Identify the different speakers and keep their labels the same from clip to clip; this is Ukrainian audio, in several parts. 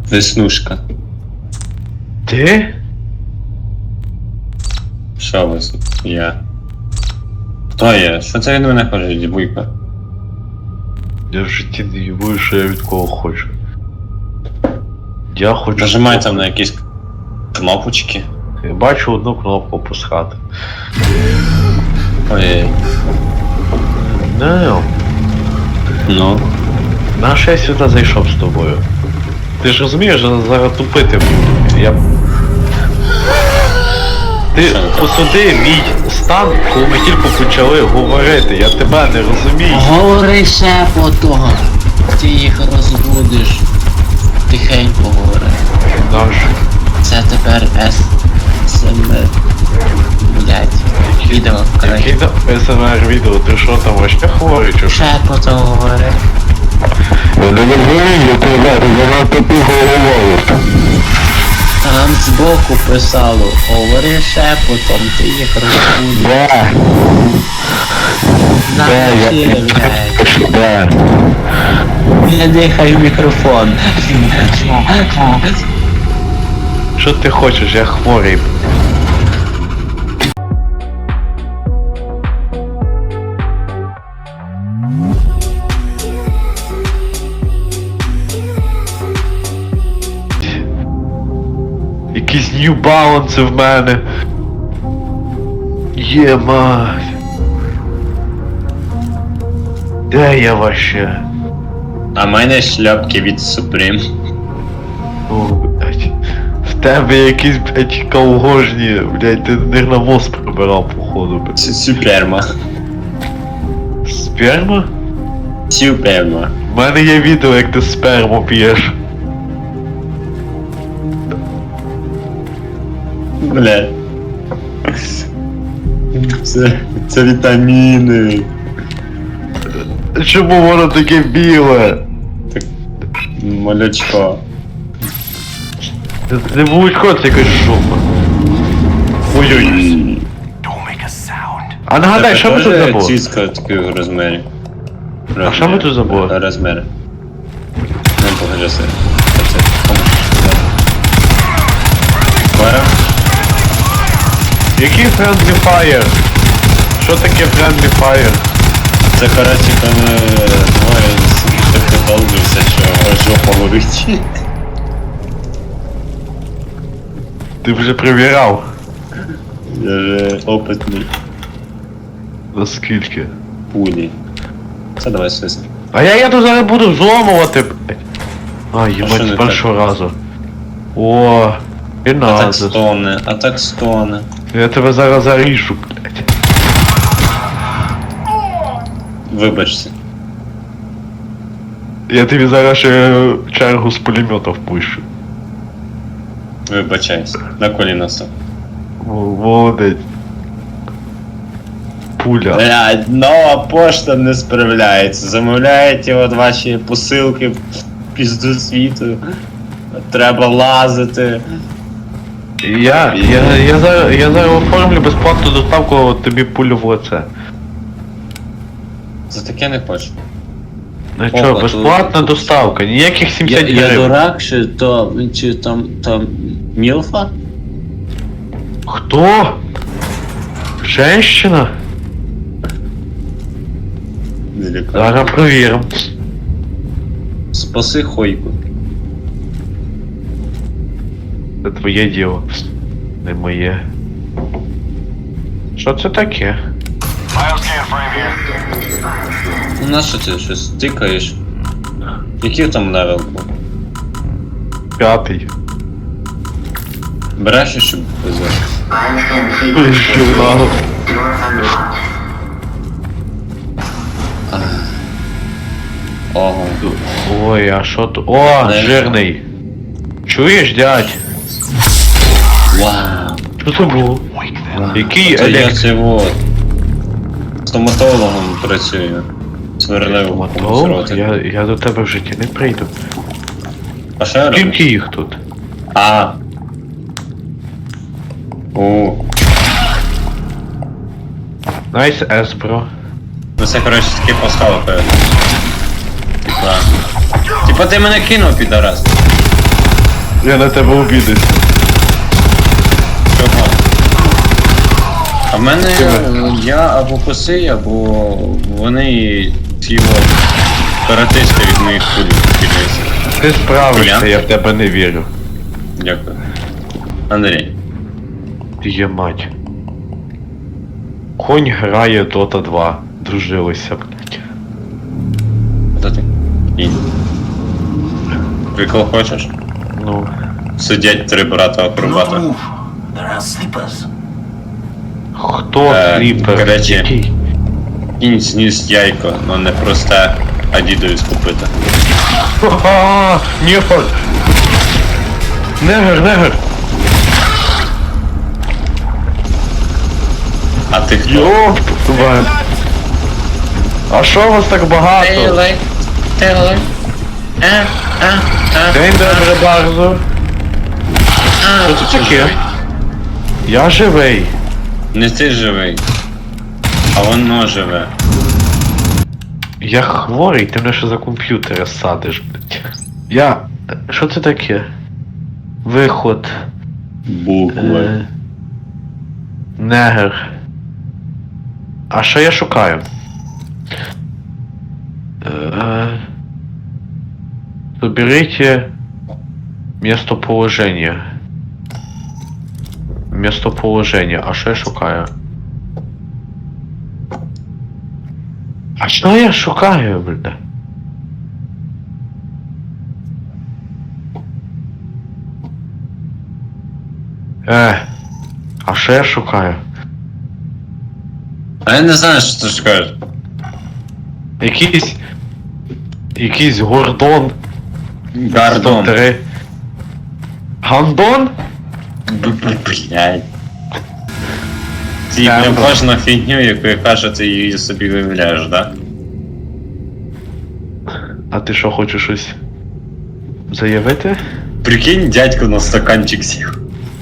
Speaker 1: Веснушка.
Speaker 2: Ти?
Speaker 1: Що ви? Я. Хто я? Що це від мене хоче, дівуйка?
Speaker 2: Я в житті не їбую, що я від кого хочу. Я хочу...
Speaker 1: Нажимай там на якісь кнопочки.
Speaker 2: Я бачу одну кнопку пускати.
Speaker 1: Ой.
Speaker 2: Не,
Speaker 1: Ну.
Speaker 2: наш я сюди зайшов з тобою. Ти ж розумієш, що зараз тупити буду. Я... Ти посуди мій стан, коли ми тільки почали говорити, я тебе не розумію.
Speaker 3: Говори шепотом. Ти їх розбудиш. Тихенько говори.
Speaker 2: Наш.
Speaker 3: Це тепер СМР. Блять. Відео,
Speaker 2: Який
Speaker 3: коротше.
Speaker 2: там СМР відео, ти що там вообще хворий чи що?
Speaker 3: Шепотом говори.
Speaker 4: Я не розумію, ти занадто тихо говориш.
Speaker 3: Там збоку писало. Говори шепотом, ти їх розбудиш.
Speaker 4: Да,
Speaker 3: Запиши, блять.
Speaker 4: да.
Speaker 3: Не дихай в мікрофон.
Speaker 2: Що ти хочеш, я хворий. Якісь New Balance в мене. Є мать. Де я вообще?
Speaker 1: А в мене шляпки від Supreme.
Speaker 2: О, блядь. В тебе якісь, блядь, колгожні, блядь, ти не навоз прибирав, походу, блядь.
Speaker 1: Суперма.
Speaker 2: Сперма?
Speaker 1: Суперма.
Speaker 2: У мене є відео, як ти сперму п'єш.
Speaker 1: Бля. Це вітаміни.
Speaker 2: Чому воно таке біле?
Speaker 1: Молочко.
Speaker 2: Це не молочко, це якась шума. Ой-ой. А нагадай, що ми тут забули?
Speaker 1: Цицька такого розмірі.
Speaker 2: А що ми тут забули?
Speaker 1: Розміри. Ну, покажи себе. Це. Пара.
Speaker 2: Який Friendly Fire? Що таке Friendly Fire?
Speaker 1: Це, коротше, коли двоє так подолбився, що жопа горить.
Speaker 2: Ти вже перевіряв?
Speaker 1: Я же опитний.
Speaker 2: Наскільки?
Speaker 1: Пулі. Це давай сиси.
Speaker 2: А я тут зараз буду взломувати, блядь. А,
Speaker 1: що не
Speaker 2: їбать, з
Speaker 1: так?
Speaker 2: першого разу. О, і
Speaker 1: А так
Speaker 2: надо.
Speaker 1: стоне, а так стоне.
Speaker 2: Я тебе зараз заріжу, блядь.
Speaker 1: Вибачся.
Speaker 2: Я тобі зараз ще чергу з пулемета впущу.
Speaker 1: Вибачайся. На коліна став.
Speaker 2: Молодець. Пуля.
Speaker 1: Блядь, нова пошта не справляється. Замовляєте от ваші посилки в пізду світу. Треба лазити.
Speaker 2: Я зараз оформлю безплатну доставку тобі пулю в лице.
Speaker 1: За таке не хочу.
Speaker 2: Ну
Speaker 1: Опа,
Speaker 2: чо,
Speaker 1: тут-
Speaker 2: безплатна доставка, ніяких 70
Speaker 1: Я
Speaker 2: гривень.
Speaker 1: дурак, чи там Мілфа?
Speaker 2: Хто? Женщина?
Speaker 1: Далеко.
Speaker 2: Зараз провіримо.
Speaker 1: Спаси Хойку.
Speaker 2: Це твоє діло. Не моє. Що це таке?
Speaker 1: Ну на що ти щось тикаєш? Який там левел був?
Speaker 2: 5-й.
Speaker 1: Береш і щоб везеш?
Speaker 2: Журнал.
Speaker 1: Ого.
Speaker 2: Ой, а що тут? О,
Speaker 1: Не.
Speaker 2: жирний. Чуєш, дядь?
Speaker 1: Вау.
Speaker 2: Що це було? Який
Speaker 1: Це я
Speaker 2: елект...
Speaker 1: це вот. Стоматологом працюю. Сверлив
Speaker 2: Мотолог? Я до тебе в житті не прийду.
Speaker 1: А що я роблю?
Speaker 2: Скільки їх тут?
Speaker 1: А. О.
Speaker 2: Найс ес, бро.
Speaker 1: Ну це, коротше, такі пасхали перед. Типа ти мене кинув, підарас.
Speaker 2: Я на тебе обідаюсь.
Speaker 1: Чого? А в мене я або коси, або вони ці от каратисти від моїх кулів кидаються.
Speaker 2: Ти справишся,
Speaker 1: Юліан?
Speaker 2: я в тебе не вірю.
Speaker 1: Дякую. Андрій.
Speaker 2: Є мать. Конь грає Dota 2. Дружилися, блядь.
Speaker 1: Хто ти? Кінь. Прикол хочеш?
Speaker 2: Ну.
Speaker 1: Сидять три брата акробата.
Speaker 5: There are sleepers.
Speaker 2: Хто сліпер?
Speaker 1: коротше.
Speaker 2: Який?
Speaker 1: Кінь сніс яйко, но не просте, а дідові скупити.
Speaker 2: Ха-ха! Нєфор! Негр, негр!
Speaker 1: А ти хто?
Speaker 2: Йоп, твою. А що вас так багато?
Speaker 1: Тейли.
Speaker 2: День добре, Барзо. Що це таке? Я живий.
Speaker 1: Не ти живий, а воно живе.
Speaker 2: Я хворий, ти мене ще за комп'ютера садиш, блядь. Я... Що це таке? Виход.
Speaker 1: Букви.
Speaker 2: Негр. А що я шукаю? Соберите местоположение. Местоположение. А що я шукаю? А що я шукаю, бля? А що я шукаю?
Speaker 1: А я не знаю, що ти скажеш.
Speaker 2: Якийсь Гордон.
Speaker 1: Гардон.
Speaker 2: 103. Гандон?
Speaker 1: Блядь. Ти прям кожну фігню, яку я кажу, ти її собі виявляєш, да?
Speaker 2: А ти що, хочеш щось заявити?
Speaker 1: Прикинь, дядько на стаканчик сів.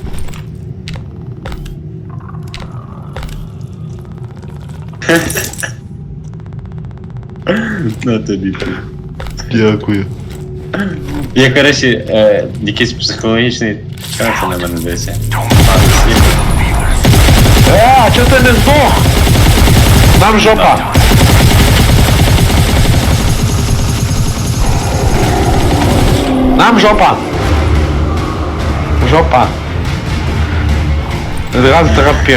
Speaker 1: На тобі.
Speaker 2: Дякую.
Speaker 1: Я, коротше, якийсь психологічний час на мене десь.
Speaker 2: А чого ти не здох? Нам жопа. Нам жопа. Жопа. Раз, драпер.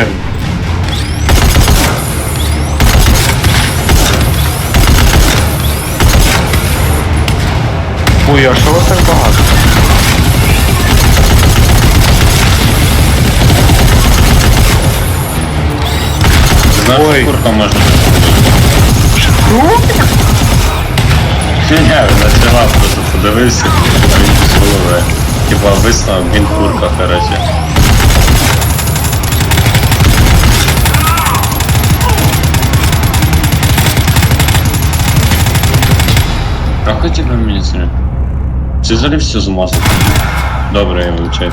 Speaker 2: Ой, а що вас так багато?
Speaker 1: Знаєш,
Speaker 2: Ой.
Speaker 1: курка може бути. Ні, почала, просто подивився, а він без голови. Типа висновок, він курка, короче. А хотів би мені це? Це взагалі все змазано. Добре, я вивчаюсь.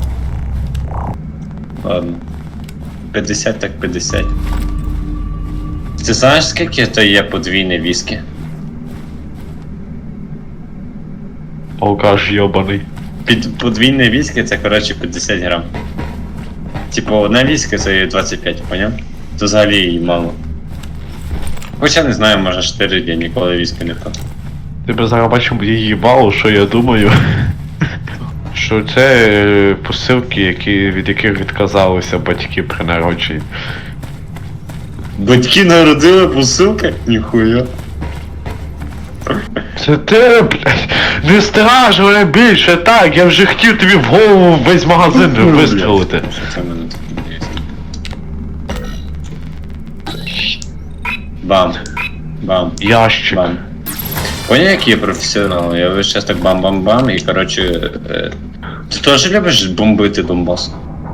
Speaker 1: Ладно. 50 так 50. Ти знаєш, скільки то є подвійне віскі?
Speaker 2: Алкаш йобаний.
Speaker 1: Подвійне віскі це, коротше, 50 грам. Типу, одна віскі це є 25, поняв? То взагалі її мало. Хоча не знаю, може 4 дні ніколи віскі не пив.
Speaker 2: Ти б зараз бачив її їбало, що я думаю. Що це посилки, від яких відказалися батьки при народженні.
Speaker 1: Батьки народили посилки? Ніхуя.
Speaker 2: Це ти, блядь, не страж мене більше, так, я вже хотів тобі в голову весь магазин вистрілити.
Speaker 1: Що це в мене тут є? Бам. Бам.
Speaker 2: Ящик.
Speaker 1: Бам. Понял, який я професіонал? Я весь час так бам-бам-бам і, коротше... Ти теж любиш бомбити Донбас?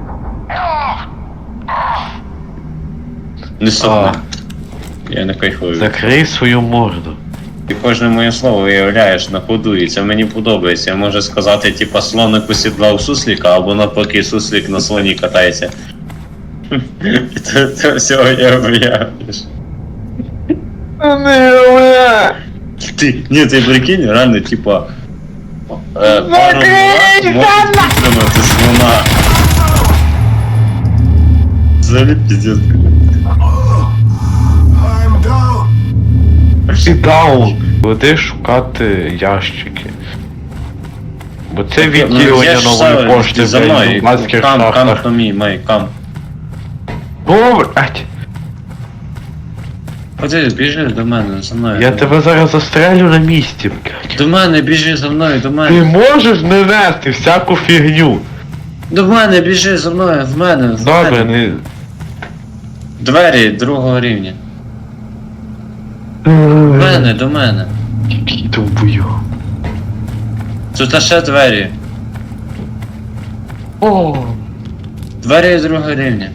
Speaker 1: Не сумно. Я не кайфую.
Speaker 2: Закрий свою морду.
Speaker 1: Ти кожне моє слово виявляєш на ходу, і це мені подобається. Я можу сказати, типа, слоник осідлав сусліка, або навпаки суслік на слоні катається. Це всього я виявляєш. Ти прикинь, реально, типа, Пару раз може підтримати слона. Взагалі піздець.
Speaker 2: І даун. Веди шукати ящики. Бо це
Speaker 1: Ну,
Speaker 2: відділення
Speaker 1: я ж
Speaker 2: нової
Speaker 1: сам,
Speaker 2: пошти
Speaker 1: за
Speaker 2: в
Speaker 1: мною.
Speaker 2: Донбаських
Speaker 1: Кам
Speaker 2: шахтах.
Speaker 1: to me, май, кам.
Speaker 2: Блять,
Speaker 1: Ходи, біжи до мене, за мною.
Speaker 2: я тебе зараз застрелю на місці, блять.
Speaker 1: До мене, біжи за мною, до
Speaker 2: Ти
Speaker 1: мене.
Speaker 2: можеш не нести всяку фігню.
Speaker 1: До мене, біжи за мною, в мене, в
Speaker 2: Добре,
Speaker 1: мене.
Speaker 2: не...
Speaker 1: Двері другого рівня. До мене, до мене.
Speaker 2: Який довбою.
Speaker 1: Тут ще двері.
Speaker 2: О,
Speaker 1: Двері другого рівня.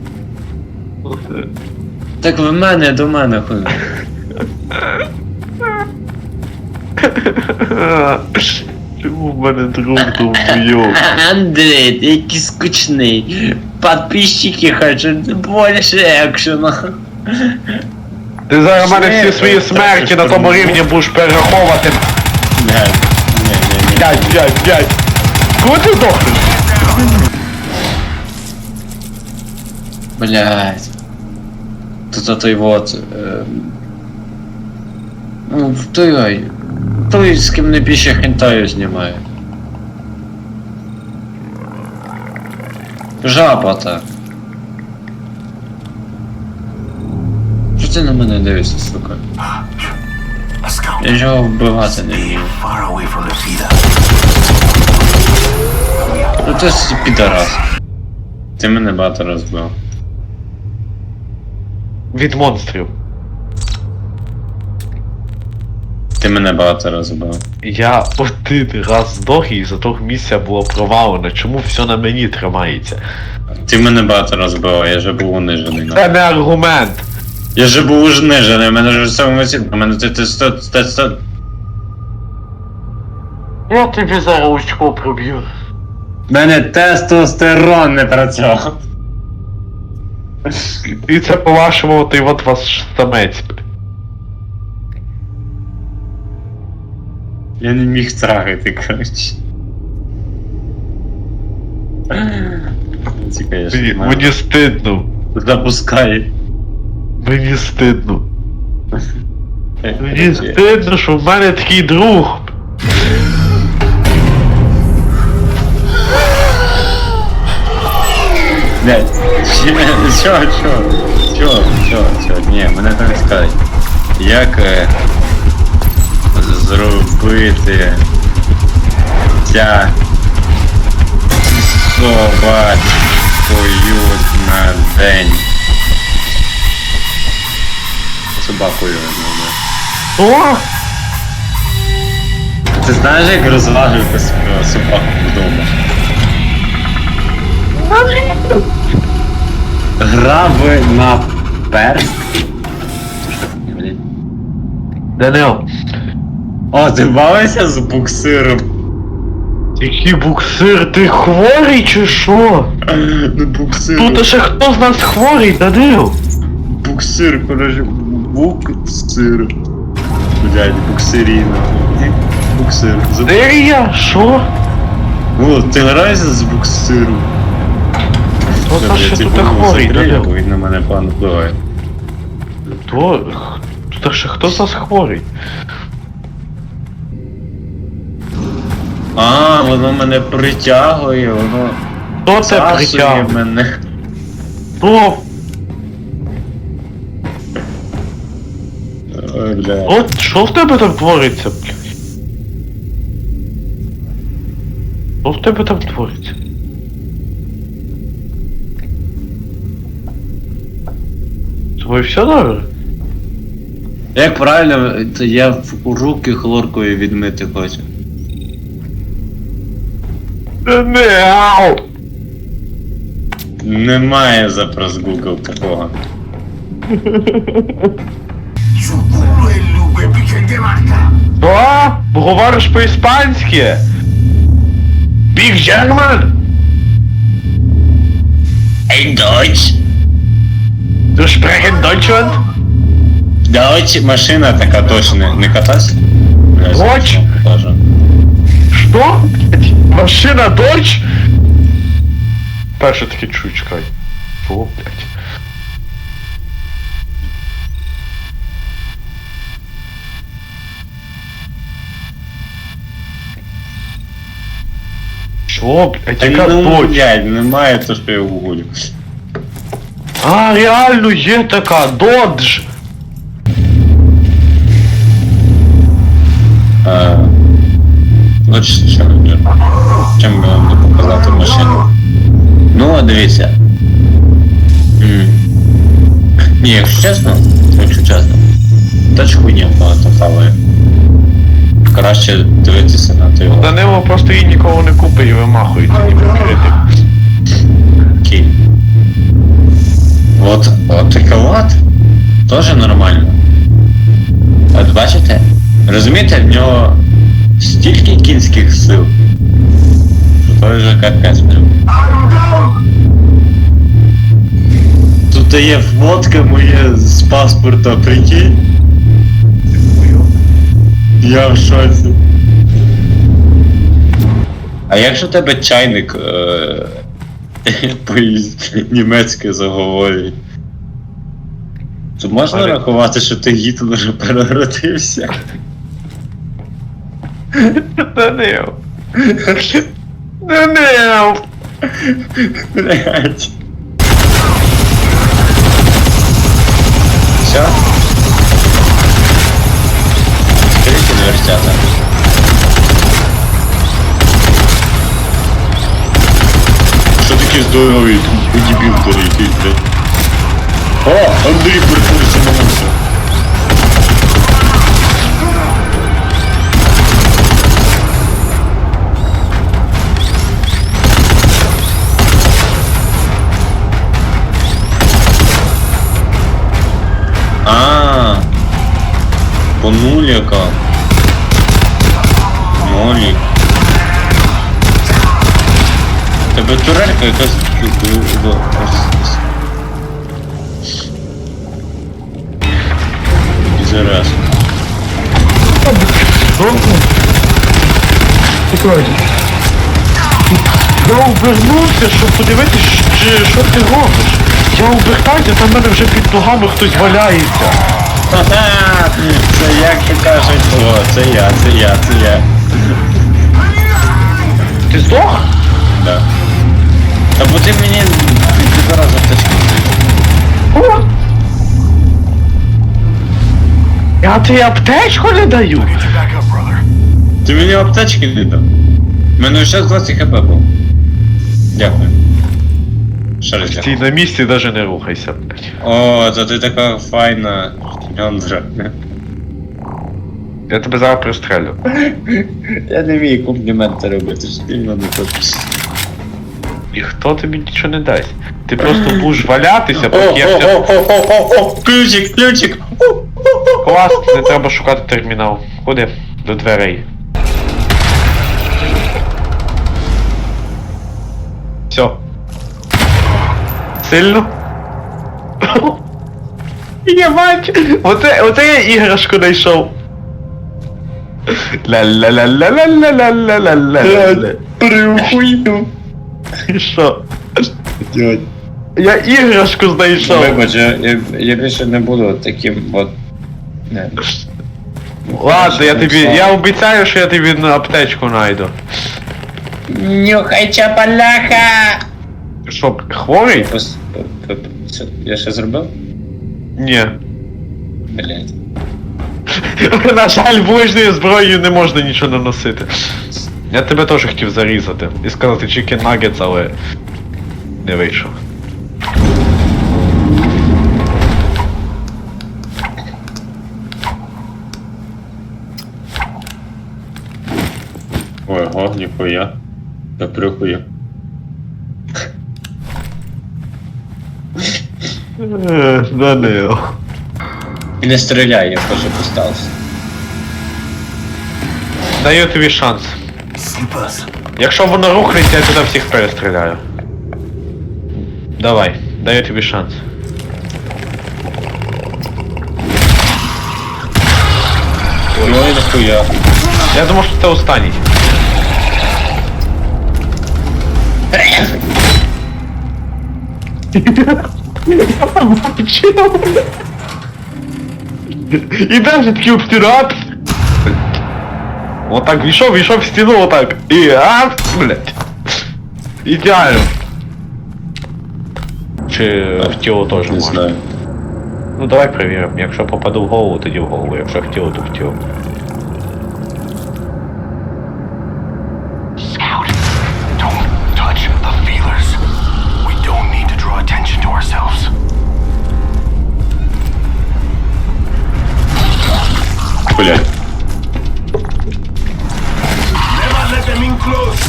Speaker 1: Так в мене, до мене хуй.
Speaker 2: Чому в мене друг довбойов?
Speaker 1: Андрей, ти який скучний. Подписчики хочуть більше екшена.
Speaker 2: Ти зараз в мене всі свої смерті на тому рівні будеш перераховувати.
Speaker 1: Ні.
Speaker 2: 5. Коли ти здохнеш?
Speaker 1: Блять. Тут той вот. Ну, той, з ким не більше хентаю знімає. Жаба та. Що ти на мене дивишся, сука?
Speaker 5: A scout.
Speaker 1: Я ж його вбивати не вмію.
Speaker 5: Far away from the feeder.
Speaker 1: Ну ти ж підарас. Ти мене багато розбив.
Speaker 2: Від монстрів.
Speaker 1: Ти мене багато розбив.
Speaker 2: Я один раз здох і за того місця було провалено. Чому все на мені тримається?
Speaker 1: Ти мене багато розбив, я же був унижений.
Speaker 2: Це не аргумент.
Speaker 1: Я же був унижений, у мене ж все емоційно, у мене ти 100.
Speaker 2: Я тобі зараз очко проб'ю.
Speaker 1: У мене тестостерон не працював.
Speaker 2: І це по-вашому, ти от вас самець.
Speaker 1: Я не міг трахати, коротше. Ці, конечно,
Speaker 2: Мені стидно.
Speaker 1: запускай.
Speaker 2: Мені стидно. Мені
Speaker 1: Короче,
Speaker 2: стидно, що в мене такий друг.
Speaker 1: блядь, чо, ні, мене там скажуть. Як зробити собачкою на день? Собакою, ну,
Speaker 2: О!
Speaker 1: Ти знаєш, як розважувати собаку вдома? Граби на перст? Блін.
Speaker 2: Данил,
Speaker 1: О, ти бавишся з буксиром?
Speaker 2: який буксир, ти хворий чи що?
Speaker 1: Ну буксир.
Speaker 2: Тут ще хто з нас хворий, Данил?
Speaker 1: Буксир, коротше, буксир. Блядь, буксиріна. Буксир.
Speaker 2: Де я? Що?
Speaker 1: О, ти граєшся з буксиру.
Speaker 2: Хто з нас ще тут хворий, Данил?
Speaker 1: Він на мене погано впливає.
Speaker 2: Тут ще хто з нас хворий?
Speaker 1: А, воно мене притягує, воно
Speaker 2: Хто це
Speaker 1: засує
Speaker 2: притягнув?
Speaker 1: мене.
Speaker 2: Хто?
Speaker 1: Ой, бля.
Speaker 2: От що в тебе там твориться, блядь? Що в тебе там твориться? З тобою все добре?
Speaker 1: Як правильно, то я в руки хлоркою відмити хочу.
Speaker 2: Не, ау!
Speaker 1: Немає запрос Google такого.
Speaker 5: Su culo el nube piquen de vaca.
Speaker 2: Що? Говориш по-іспанськи? Big German?
Speaker 1: Ей, Deutsch!
Speaker 2: Du sprechen Deutschland?
Speaker 1: Deutsch, машина така точно, не катайся?
Speaker 2: Deutsch? Машина Додж? Перше таке чую, чекай. Що, блядь? Що, блядь,
Speaker 1: Та
Speaker 2: яка
Speaker 1: ну,
Speaker 2: Додж?
Speaker 1: блядь, немає то, що я гуглю.
Speaker 2: А, реально є така, Додж!
Speaker 1: От чим би вам не показати машину. Ну, а дивіться. Ні, якщо чесно, тач хуйня багато хаває. Краще дивитися на той.
Speaker 2: Данило просто її нікого не купить і вимахується, ніби критик.
Speaker 1: Окей. От така от. Тоже нормально. От бачите? Розумієте, в нього стільки кінських сил. Що той же капець прям. Тут є фотка моя з паспорта, прикинь. Я в шоці. А якщо тебе чайник по-німецьки заговорює, то можна рахувати, що ти Гітлер переродився?
Speaker 2: Данил. Данил.
Speaker 1: Блять. Все? Скажите дверцята. Що таке здоровий? Дебіл якийсь, блядь. О, Андрій прикурився на мусор. Понуляка. Нолік. Тебе турелька якась чудова. І зараз.
Speaker 2: Я обернувся, щоб подивитись, що ти робиш. Я обертаюся, там в мене вже під ногами хтось валяється.
Speaker 1: Ха-ха! Це як то кажуть, о, це я.
Speaker 2: Ти здох?
Speaker 1: Да. Та бо ти мені підбирав за аптечку.
Speaker 2: О! Я тобі аптечку не даю.
Speaker 5: Get you back up, brother.
Speaker 1: Ти мені аптечки не дав. У мене ще 20 хп був. Дякую. Ще раз
Speaker 2: Стій
Speaker 1: дякую.
Speaker 2: на місці, навіть не рухайся, блядь.
Speaker 1: О, то ти така файна Льондра.
Speaker 2: Я тебе зараз пристрелю.
Speaker 1: Я не вмію компліменти робити, що ти мене хочеш.
Speaker 2: І хто тобі нічого не дасть? Ти просто будеш валятися, поки я все...
Speaker 1: Ключик!
Speaker 2: Клас, не треба шукати термінал. Ходи до дверей. Все. Сильно? Я бачу! Оце я іграшку знайшов. Ла-ла-ла-ла-ла-ла-ла-ла-ла-ла.
Speaker 1: Прихуйну.
Speaker 2: І що? Я іграшку знайшов.
Speaker 1: Вибач, я більше не буду таким от... Не.
Speaker 2: Ладно, я обіцяю, що я тобі на аптечку найду.
Speaker 1: Нюхай чапаляха!
Speaker 2: Ти що, хворий?
Speaker 1: Я ще зробив?
Speaker 2: Ні.
Speaker 1: Блять.
Speaker 2: На жаль, ближньою зброєю не можна нічого наносити. Я тебе теж хотів зарізати і сказати chicken nuggets, але не вийшов.
Speaker 1: Ого, ніхуя. Я прихуя.
Speaker 2: Данил.
Speaker 1: Не стріляй, я теж поставився.
Speaker 2: Даю тобі шанс.
Speaker 5: Сліпас.
Speaker 2: Якщо воно рухається, я туди всіх перестріляю. Давай, даю тобі шанс.
Speaker 1: Ой, нахуя.
Speaker 2: Я думав, що це останній. І даже такий обстират. Отак війшов в стіну, отак. І блять. Ідеально. Чи в тіло теж
Speaker 1: Не
Speaker 2: можна?
Speaker 1: знаю.
Speaker 2: Ну давай перевіримо. Якщо попаду в голову, тоді в голову. Якщо в тіло, то в тіло.
Speaker 5: Scout, don't touch the feelers. We don't need to draw attention to ourselves.
Speaker 1: Блять.
Speaker 5: Never let them in close.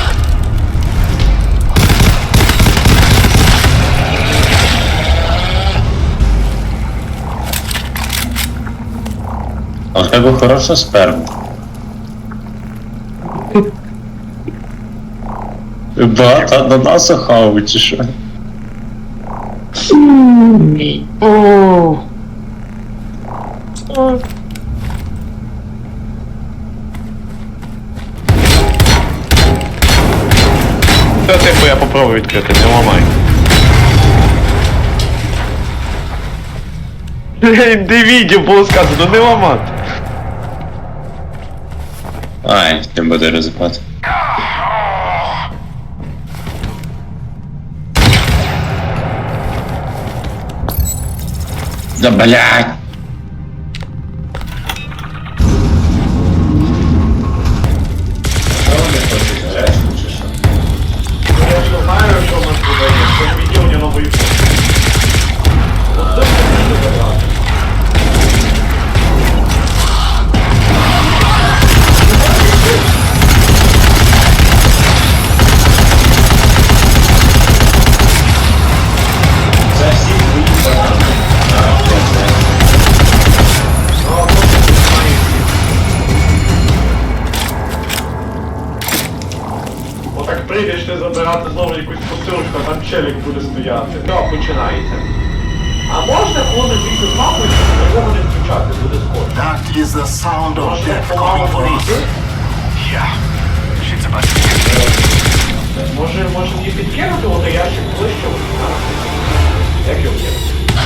Speaker 1: А в тебе хороша сперма. Багато ананасу хаву, чи що?
Speaker 2: Та типу я попробую відкрити, не ламай. Де відео було сказано, не ламати.
Speaker 1: Ай, не буде ризикувати. Да блядь!
Speaker 2: Я ж знаю, що в нас буде, якщо відео не новий. Отак прийдеш ти забирати знову якусь посилочку, а там челік буде стояти. Так, починається. А можна, коли ми бійку з мамою, його не включати, буде скоро.
Speaker 5: That is the sound of
Speaker 2: Може,
Speaker 5: death
Speaker 2: помалу
Speaker 5: coming for us.
Speaker 2: прийти?
Speaker 5: Yeah. Shit's about to get
Speaker 2: Може мені підкинути, от ящик ближче? Як його є?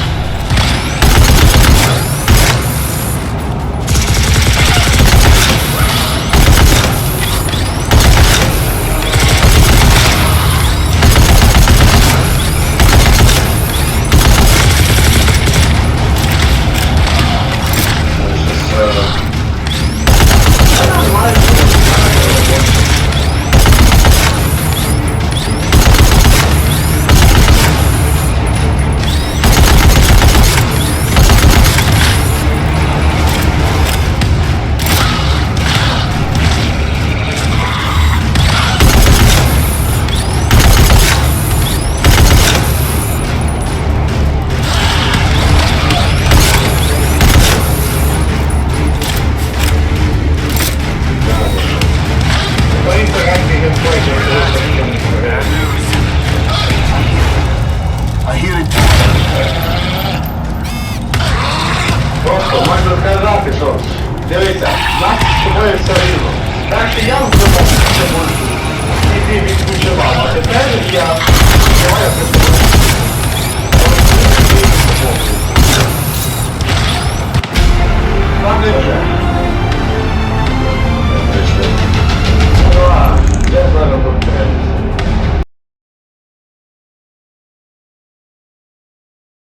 Speaker 5: I hear it.
Speaker 2: Просто можна сказати, що дивіться, нас з тобою все рівно.